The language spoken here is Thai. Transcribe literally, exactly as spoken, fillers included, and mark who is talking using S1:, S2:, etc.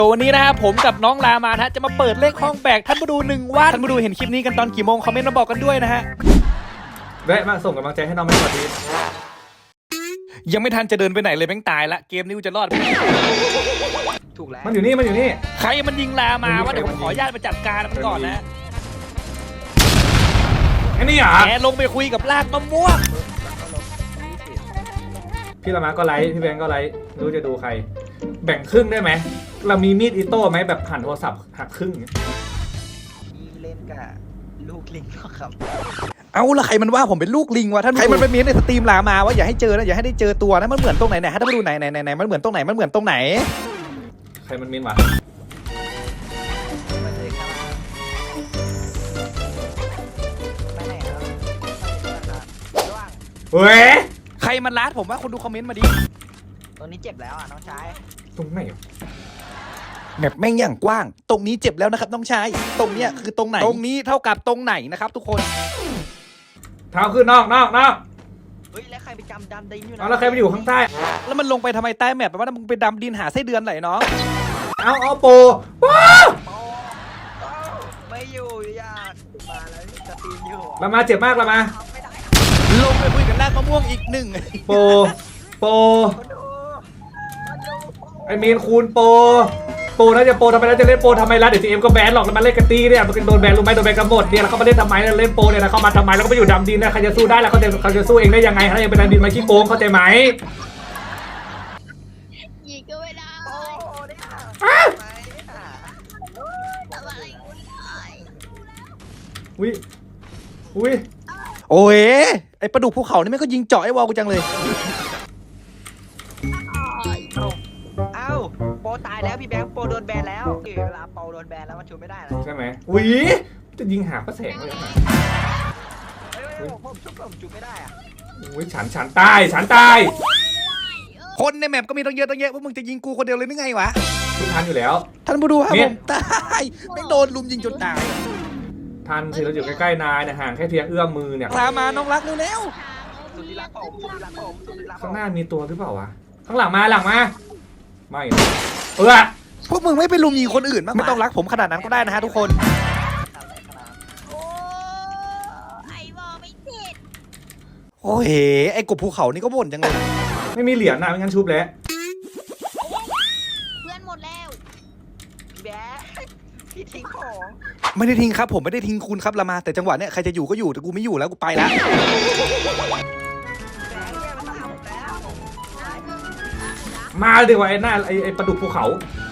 S1: วันนี้นะครับผมกับน้องลามานะจะมาเปิดเลขห้องแบกท่านมาดูหนึ่งวันท่านมาดูเห็นคลิปนี้กันตอนกี่โมงคอมเมนต์มาบอกกันด้วยนะฮะ
S2: แวะมาส่งกำลังใจให้น้องไม่ก่อนดี
S1: ยังไม่ทันจะเดินไปไหนเลยแม่งตายละเกมนี้กูจะรอด
S3: ถูกแล้ว
S2: มันอยู่นี่มันอยู่นี่
S1: ใครมันยิงลามาว่าเดี๋ยวผมขอญาตมาจัดการมันก่อนนะ
S2: ไอ้นี่เหรอ
S1: แกลงไปคุยกับลากมะม่วง
S2: พี่ละมาก็ไลฟ์พี่แบงก์ก็ไลฟ์รู้จะดูใครแบ่งครึ่งได้ไหมเรามีมีดอิโต้ไหมแบบผ่านโทรศัพท์หักครึ่ง
S3: มีเล่นกับลูกลิงก็ครับ
S1: เอาละใครมันว่าผมเป็นลูกลิงวะท่านใครมันไปเม้นในสตรีมลามาว่าอย่าให้เจอนะอย่าให้ได้เจอตัวนะมันเหมือนตรงไหนไหนให้ท่านมาดูไหนไหนไหนมันเหมือนตรงไหนมันเหมือนตรงไหน
S2: ใครมันเม้นวะ
S3: มาเลยครับไปไหนครับระวัง
S2: เฮ้ย
S1: ใครมันลาดผมว่าคนดูคอมเมนต์มาดิ
S3: ตรงนี้เจ็บแล้วอ่ะน้องชาย
S2: ตรงไหน
S1: แมปแม่งอย่างกว้างตรงนี้เจ็บแล้วนะครับน้องชายตรงเนี้ยคือตรงไหนตรงนี้เท่ากับตรงไหนนะครับทุกคน
S2: เท้าขึ้นนอกนอกนอก
S3: เฮ้ยแล้วใครไปจำดำดินอยู่นะ
S2: เอาแล้วใครไปอยู่ข้างใต้
S1: แล้วมันลงไปทำไมใต้แมปแปลว่ามึงไปดำดินหาไส้เดือนไหนน้อง
S2: เอาเอาโปว้า
S3: ไม่อยู่อยากมาแล้วจะตีอยู่
S2: เรามาเจ็บมากเรามา
S1: ลงไปคุยกับลากมะม่วงอีกหนึ่ง
S2: โปโปไอเมนคูณโปโปน่าจะโปทำไมน่าจะเล่นโปทำไมล่ะเดี๋ยวทีเอ็มก็แบนหรอกแล้วมาเล่นกันตีเนี่ยมันโดนแบนรู้ไหมโดนแบนกันหมดเนี่ยแล้วเขามาเล่นทำไมเล่นโปเนี่ยนะเขามาทำไมแล้วก็ไปอยู่ดำดินนะใครจะสู้ได้ล่ะเขาจะเขาจะสู้เองได้ยังไงถ้ายังเป็นดำดินมาขี้โกงเข้าใจไหม
S4: ยิงก็ไม่ได้ทำอะไรกูได้
S2: อุ้ยอุ้ย
S1: โอ้ยไอปลาดุกภูเขานี่แม่งก็ยิงเจาะไอ้วอลกูจังเลย
S3: เอ้าโปตายแล้วพี่แบงค์โปโดนแบนแล้วเวลาโปโดนแบนแล้วมันชูไม่ได้แล้ว
S2: ใช่ไหมอุ้ยจะยิงหาพระแสงเลยนะ
S3: ผมชุบผมจุไม่ได้อะ
S2: อุ้ยฉันฉันตายฉันตาย
S1: คนในแมปก็มีตั้งเยอะตั้งแยะว่ามึงจะยิงกูคนเดียวเลยนึกไงวะ
S2: ทุกทันอยู่แล้ว
S1: ท่านมาดูครับผมตายไม่โดนลุมยิงจนตาย
S2: ทันสิเราอยู่ใกล้ๆนายนะห่างแค่เพียงเอื้อมมือเนี่ย
S1: พามาน้องรักเร็ว
S3: ๆสุดที่รักผมสุดที่รักผมสุดที่รักผม
S2: ข้างหน้ามีตัวหรือเปล่าวะข้างหลังมาหลังมาไม่เออ
S1: พวกมึงไม่ไปลุมยิงคนอื่นมั้งไม่ต้องรักผมขนาดนั้นก็ได้นะฮะทุกคน
S4: โอ้ไอ้บอไม่เจ็ด
S1: โอ้ยไอ้กบภูเขานี่ก็บ่นจังเลย
S2: ไม่มีเหรียญนะไม่งั้นชุบแล้ว
S4: เพื่อนหมดแล้ว
S3: พี่แบ๊พี่ทิ้งของ
S1: ไม่ได้ทิ้งครับผมไม่ได้ทิ้งคุณครับละมาแต่จังหวะเนี้ยใครจะอยู่ก็อยู่แต่กูไม่อยู่แล้วกูไปแล้ว
S2: มาดีกว่าไอ้หน้าไอ้ไอ้ปลาดุกภูเขา